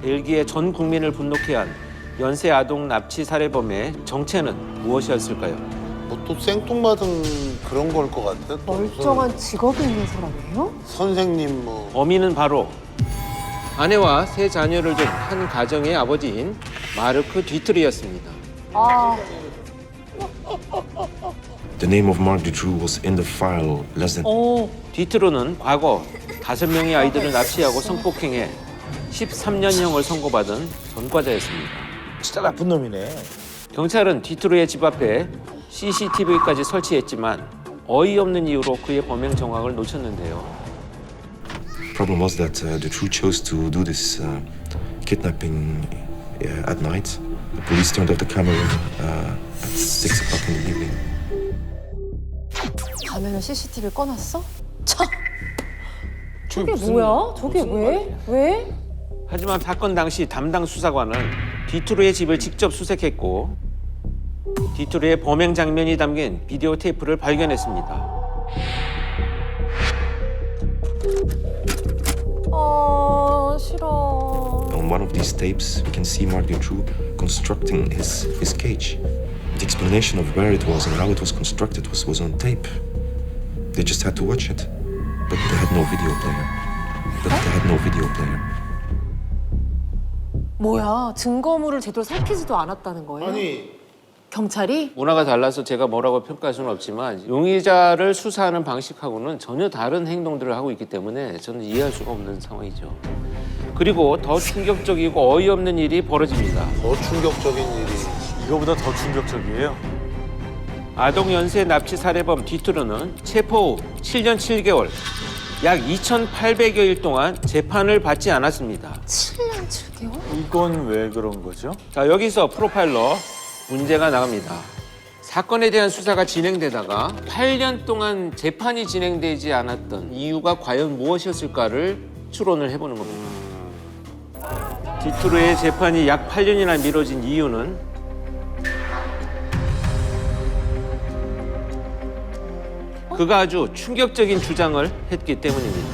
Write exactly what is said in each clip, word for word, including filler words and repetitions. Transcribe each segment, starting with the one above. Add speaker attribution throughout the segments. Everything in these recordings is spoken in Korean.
Speaker 1: 벨기에 전 국민을 분노케 한 연쇄 아동 납치 살해범의 정체는 무엇이었을까요?
Speaker 2: 뭐 또 생뚱맞은 그런 걸 것 같아. 또
Speaker 3: 멀쩡한 직업이 있는 사람이에요?
Speaker 2: 무슨 선생님 뭐.
Speaker 1: 범인은 바로 아내와 세 자녀를 둔 한 가정의 아버지인 마르크 뒤트르였습니다.
Speaker 3: 아,
Speaker 4: The name of Mark Dutroux was in the file less than
Speaker 3: 어.
Speaker 1: 뒤트르는 과거 다섯 명의 아이들을 납치하고 성폭행해 십삼 년형을 선고받은 전과자였습니다.
Speaker 5: 진짜 나쁜 놈이네.
Speaker 1: 경찰은 뒤트르의 집 앞에 씨씨티비까지 설치했지만 어이없는 이유로 그의 범행 정황을 놓쳤는데요.
Speaker 4: problem was that uh, Dutroux chose to do this uh, kidnapping uh, at night. The police turned off the camera uh, at six o'clock in the evening.
Speaker 3: 가면은 씨씨티비 꺼놨어? 참. 저게 뭐야? 저게 왜? 왜?
Speaker 1: 하지만 사건 당시 담당 수사관은 뒤트르의 집을 직접 수색했고 뒤트르의 범행 장면이 담긴 비디오 테이프를 발견했습니다.
Speaker 3: 아, 싫어.
Speaker 4: On one of these tapes, we can see Mark Dutroux constructing his, his cage. The explanation of where it was and how it was constructed was, was on tape. They just had to watch it. But they had no video player. But they had no video player.
Speaker 3: 뭐야? 증거물을 제대로 살피지도 않았다는 거예요?
Speaker 2: 아니
Speaker 3: 경찰이?
Speaker 1: 문화가 달라서 제가 뭐라고 평가할 수는 없지만 용의자를 수사하는 방식하고는 전혀 다른 행동들을 하고 있기 때문에 저는 이해할 수가 없는 상황이죠. 그리고 더 충격적이고 어이없는 일이 벌어집니다.
Speaker 2: 더 충격적인 일이.
Speaker 5: 이거보다 더 충격적이에요.
Speaker 1: 아동 연쇄 납치 살해범 뒤트르는 체포 후 칠 년 칠 개월, 약 이천팔백여 일 동안 재판을 받지 않았습니다.
Speaker 3: 칠 년 칠 개월?
Speaker 5: 이건 왜 그런 거죠?
Speaker 1: 자, 여기서 프로파일러 문제가 나갑니다. 사건에 대한 수사가 진행되다가 팔 년 동안 재판이 진행되지 않았던 이유가 과연 무엇이었을까를 추론을 해보는 겁니다. 뒤트르의 재판이 약 팔 년이나 미뤄진 이유는 그가 아주 충격적인 주장을 했기 때문입니다.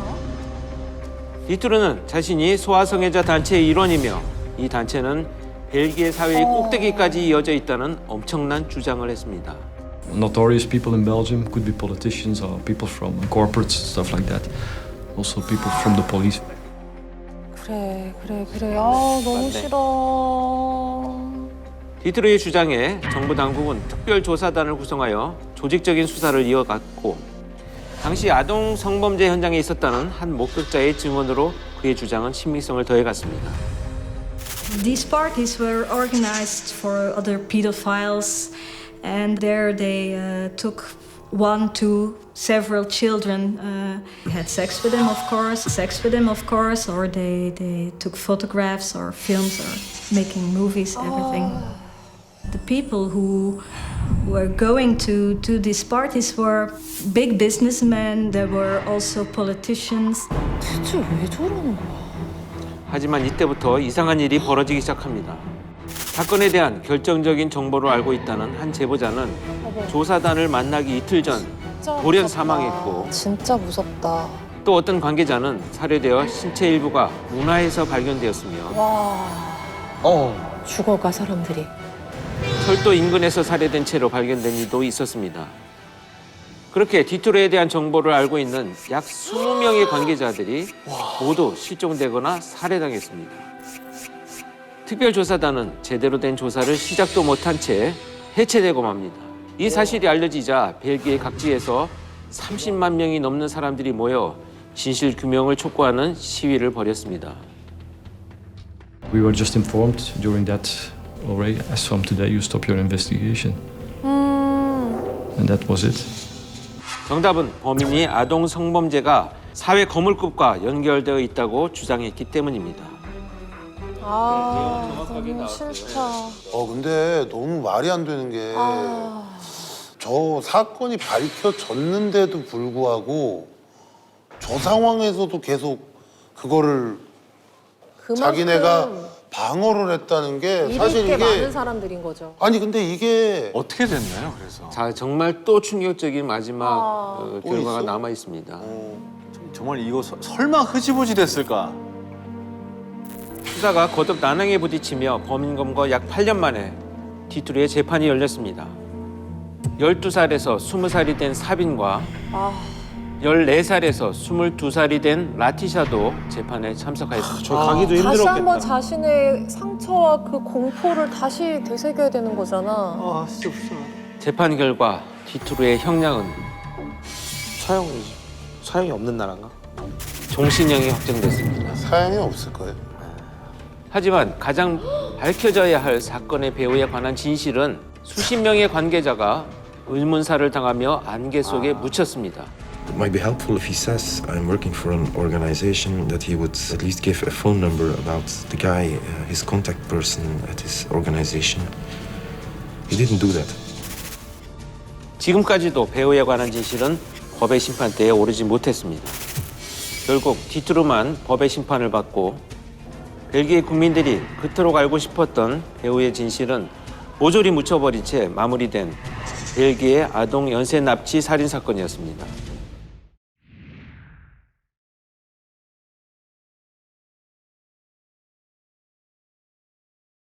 Speaker 1: 뒤트르는 자신이 소아성애자 단체의 일원이며 이 단체는 벨기에 사회의 꼭대기까지 이어져 있다는 엄청난 주장을 했습니다.
Speaker 6: Notorious people in Belgium could be politicians or people from corporates, stuff like that. Also people from the police.
Speaker 3: 그래, 그래, 그래. 아, 너무 싫어.
Speaker 1: 뒤트르의 주장에 정부 당국은 특별조사단을 구성하여 조직적인 수사를 이어갔고 당시 아동 성범죄 현장에 있었다는 한 목격자의 증언으로 그의 주장은 신빙성을 더해갔습니다.
Speaker 7: These parties were organized for other pedophiles, and there they uh, took one to several children, uh, had sex with them, of course, sex with them, of course, or they, they took photographs or films or making movies, everything. The people who were going to, to these parties were big businessmen, there were also politicians.
Speaker 3: 대체 왜 저러는 거야?
Speaker 1: 하지만 이때부터 이상한 일이 벌어지기 시작합니다. 사건에 대한 결정적인 정보를 알고 있다는 한 제보자는 조사단을 만나기 이틀 전 돌연 사망했고
Speaker 3: 진짜 무섭다.
Speaker 1: 또 어떤 관계자는 살해되어 신체 일부가 운하에서 발견되었으며
Speaker 3: 와,
Speaker 5: 어.
Speaker 3: 죽어가 사람들이.
Speaker 1: 철도 인근에서 살해된 채로 발견된 이도 있었습니다. 그렇게 뒤트르에 대한 정보를 알고 있는 약 이십 명의 관계자들이 모두 실종되거나 살해당했습니다. 특별조사단은 제대로 된 조사를 시작도 못한 채 해체되고 맙니다. 이 사실이 알려지자 벨기에 각지에서 삼십만 명이 넘는 사람들이 모여 진실 규명을 촉구하는 시위를 벌였습니다.
Speaker 6: We were just informed during that already, as from today you stop your investigation. And that was it.
Speaker 1: 정답은 범인이 아동 성범죄가 사회 거물급과 연결되어 있다고 주장했기 때문입니다.
Speaker 3: 아, 너무 싫다.
Speaker 2: 어 근데 너무 말이 안 되는 게 저
Speaker 3: 아,
Speaker 2: 사건이 밝혀졌는데도 불구하고 저 상황에서도 계속 그거를
Speaker 3: 그만큼
Speaker 2: 자기네가 방어를 했다는 게
Speaker 3: 일이
Speaker 2: 사실
Speaker 3: 꽤
Speaker 2: 이게
Speaker 3: 많은 사람들인 거죠.
Speaker 2: 아니 근데 이게
Speaker 5: 어떻게 됐나요, 그래서?
Speaker 1: 자, 정말 또 충격적인 마지막
Speaker 3: 아.
Speaker 1: 어,
Speaker 2: 또
Speaker 1: 결과가
Speaker 2: 있어?
Speaker 1: 남아 있습니다.
Speaker 5: 정말 이거 서- 설마 흐지부지 됐을까?
Speaker 1: 수사가 거듭 난항에 부딪히며 범인검거 약 팔 년 만에 디투르의 재판이 열렸습니다. 열두 살에서 스무 살이 된 사빈과
Speaker 3: 아,
Speaker 1: 열네 살에서 스물두 살이 된 라티샤도 재판에 참석하였습니다.
Speaker 2: 저 가기도
Speaker 3: 다시
Speaker 2: 힘들었겠다.
Speaker 3: 한번 자신의 상처와 그 공포를 다시 되새겨야 되는 거잖아.
Speaker 2: 아 진짜 불쌍해.
Speaker 1: 재판 결과 디투르의 형량은
Speaker 8: 사형이지. 사형이 없는 나라인가?
Speaker 1: 종신형이 확정됐습니다.
Speaker 2: 사양이 없을 거예요.
Speaker 1: 하지만 가장 밝혀져야 할 사건의 배후에 관한 진실은 수십 명의 관계자가 의문사를 당하며 안개 속에 묻혔습니다.
Speaker 4: It might be helpful if he says I'm working for an organization that he would at least give a phone number about the guy, uh, his contact person at his organization. He didn't do that.
Speaker 1: 지금까지도 배우에 관한 진실은 법의 심판대에 오르지 못했습니다. 결국 디투르만 법의 심판을 받고 벨기에 국민들이 그토록 알고 싶었던 배우의 진실은 모조리 묻혀버린 채 마무리된 벨기에 아동 연쇄 납치 살인 사건이었습니다.